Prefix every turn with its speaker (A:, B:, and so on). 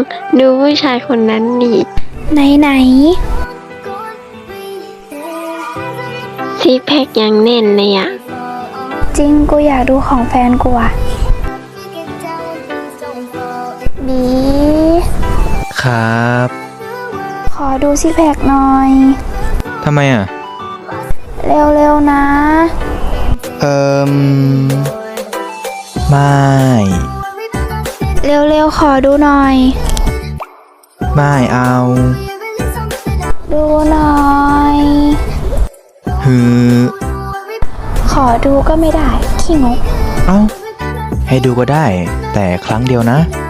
A: ดูผู้ชายคนนั้นดิ
B: ไหน
A: ซิกแพคยังแน่นเลยอะ
B: จริงกูอยากดูของแฟนกูอะบี
C: ครับ
B: ขอดูซิกแพคหน่อย
C: ทำไมอ่ะ
B: เร็วๆนะ
C: เอ่มไม่
B: เร็วๆขอดูหน่อย
C: ไม่เอา
B: ดูหน่อย
C: ฮือ
B: ขอดูก็ไม่ได้ขี้งก
C: เอ้า ให้ดูก็ได้ แต่ครั้งเดียวนะ